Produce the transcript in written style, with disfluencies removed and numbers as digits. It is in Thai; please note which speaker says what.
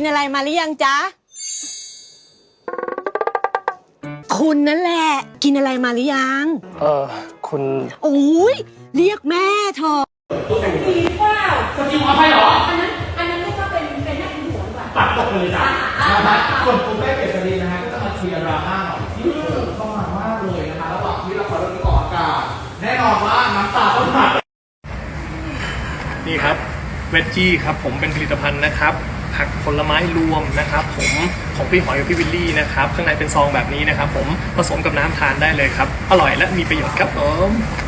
Speaker 1: นอะไรมาหรือยังจ๊ะคุณนั่นแหละกินอะไรมาหรือยัง
Speaker 2: คุณ
Speaker 1: โอ้ยเรียกแม่เธอ
Speaker 3: ดีเปล่าคนจริงขออภัยเหรออันนั้นไม่ก็เป็นหน้าเป็นหัวดีกว่าตัดตกไปเลยจ้ะนะครับส่วนคุณแม่เกษรีนะฮะก็จะมาเคลียร์ดราม่าหน่อยที่เข้ามามากเลยนะคะระหว่างที่ละครเรื่องนี้ออกอากาศแน่นอนว่าน้ำตาต้องหลั่ง
Speaker 2: นี่ครับเวจจี้ครับผมเป็นผลิตภัณฑ์นะครับผักผลไม้รวมนะครับผมของพี่หอยกับพี่วิลลี่นะครับข้างในเป็นซองแบบนี้นะครับผมผสมกับน้ำทานได้เลยครับอร่อยและมีประโยชน์ครับผม